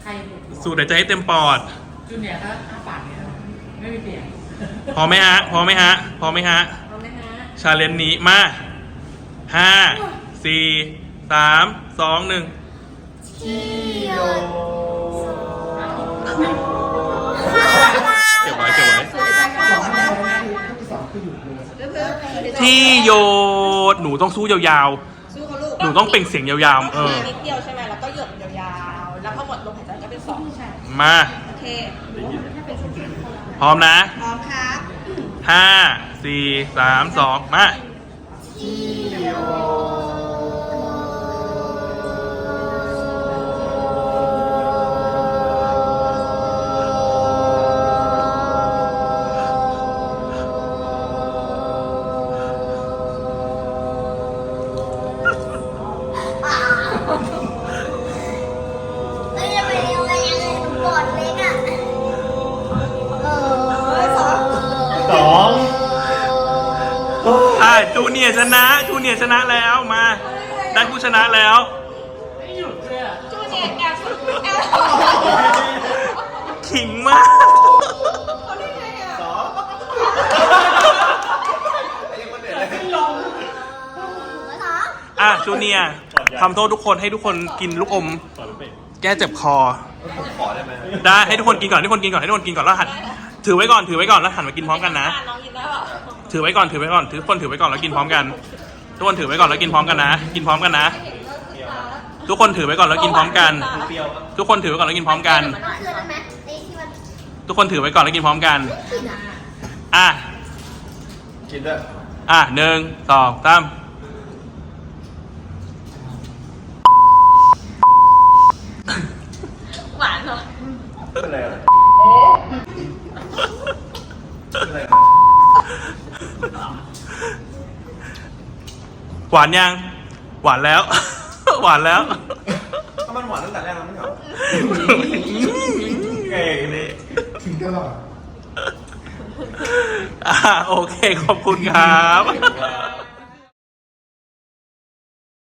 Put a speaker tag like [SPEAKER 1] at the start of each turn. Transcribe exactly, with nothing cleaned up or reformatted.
[SPEAKER 1] ใคร
[SPEAKER 2] สูดหายใจให้เต็มปอด
[SPEAKER 1] จูเนียร์ก็อ้าปากเนี่ยไม่มีเสียง
[SPEAKER 2] พอไหมฮะพอไหมฮะพอไหมฮะ
[SPEAKER 1] พอไหมฮะ
[SPEAKER 2] ชาเลนจ์นี้มาห้าสี่สามสองหนึ่ง
[SPEAKER 3] ที่โย
[SPEAKER 2] เก็บไว้เก็บไว้ที่โยนหนูต้องสู้ยาวๆหนูต้องเปล่งเสียงยาวๆเออ
[SPEAKER 3] นิดเดียวใช่ไหมแล้วก็หยดยาวๆแล้วพอหมดลมหายใจก็เป็นสองใช่
[SPEAKER 2] มา
[SPEAKER 3] โอเค
[SPEAKER 2] พร้อมนะ
[SPEAKER 3] พร้อมครับ
[SPEAKER 2] ห้าสี่สามสองมาจูเนียร์ชนะจูเนียร์ชนะแล้วมาได้ผู้ชนะแล้ว
[SPEAKER 1] ไม่หยุดเลยอ่ะ
[SPEAKER 3] จูเนียร์แอบแอบ
[SPEAKER 2] ขิงมาก
[SPEAKER 3] เขาได้ไงอ่ะสอง
[SPEAKER 2] อ่ะจูเนียร์ทำโทษทุกคนให้ทุกคนกินลูกอมแก้เจ็บคอได้ให้ทุกคนกินก่อนให้ทุกคนกินก่อนให้ทุกคนกินก่อนแล้วหันถือไว้ก่อนถือไว้ก่อนแล้วหันมากินพร้อมกันนะถือไว้ก่อนถือไว้ก่อนถือคนถือไว้ก่อนแล้วกินพร้อมกันทุกคนถือไว้ก่อนแล้วกินพร้อมกันนะกินพร้อมกันนะทุกคนถือไว้ก่อนแล้วกินพร้อมกันทุกคนถือไว้ก่อนแล้วกินพร้อมกันทุกคนถือไว้ก่อนแล้วกินพร้อมกันอ่ะ
[SPEAKER 4] กินด้วย
[SPEAKER 2] อ่ะหนึ่งสองสาม
[SPEAKER 3] หวานเหรอ
[SPEAKER 4] เป็นอะไรอ่ะ
[SPEAKER 2] หวานยังหวานแล้วหวานแล้ว
[SPEAKER 4] ถ้ามันหวานตั้งแต่แรกแล้วไม่เหรอเก่งเลย
[SPEAKER 5] ถึงตลอด
[SPEAKER 2] อ่าโอเคขอบคุณครับ